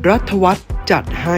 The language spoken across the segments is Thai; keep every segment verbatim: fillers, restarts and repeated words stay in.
รัฐวัฒน์จัดให้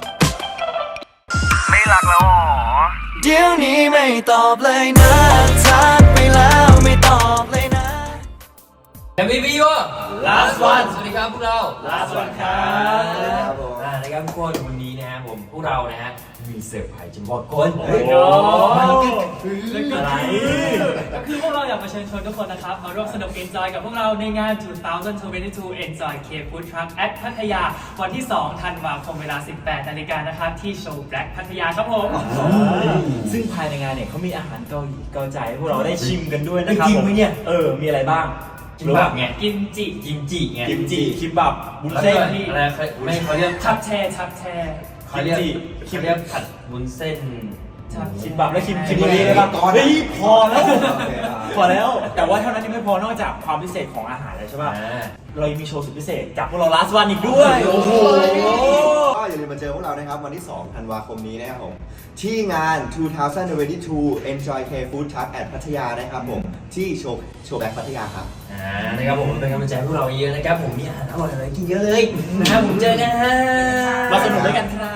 ไม่รักแล้วหรอเดี๋ยวนี้ไม่ตอบเลยนะทักไปแล้วไม่ตอบเลยนะเอ็ม วี พี วะ last one สวัสดีครับพวกเรา last one ครับครับผมอ่านะครับทุกคนวันนี้นะฮะผมพวกเรานะฮะมีเซอร์ไพรส์จะบอกคนโอ้โหอะไรคือพวกเราอยากมาเชิญชวนทุกคนนะครับมาร่วมสนุก Enjoy กับพวกเราในงาน สองพันยี่สิบสอง Enjoy K Food Truck at พัทยาวันที่ สองธันวาคมเวลา สิบแปดนาฬิกานะครับที่โชว์ Black พัทยาครับผมซึ่งภายในงานเนี่ยเขามีอาหารเกาหลีเกาใจให้พวกเราได้ชิมกันด้วยนะครับจริงไหมเนี่ยเออมีอะไรบ้างกิมบับไงกิมจิกิมจิไงกิมจิคิมบับบุญแล้วเส้นก็อะไรไม่เขาเรียกทับแช่ทับแช่เขาเรียกเขาเรียกผัดวุ้นเส้นคิมบับและคิมคิมบุรีได้ป่ะเฮ้ยพอแล้วพอแล้วแต่ว่าเท่านั้นยังไม่พอนอกจากความพิเศษของอาหารแล้วใช่ป่ะเรายังมีโชว์สุดพิเศษจากพวกเรา last one อีกด้วยโอ้โหก็อย่าลืมมาเจอพวกเรานะครับวันที่ สองธันวาคมนี้นะครับผมที่งาน สองพันยี่สิบสอง Enjoy K Food Truck at พัทยานะครับผมที่โชว์โชว์แบ็คพัทยาครับอ่านะครับผมเป็นกำลังใจให้พวกเราเยอะนะครับผมมีอาหารอร่อยๆกินเยอะเลยนะครับผมเจอกันฮะมาสนุกด้วยกันครับ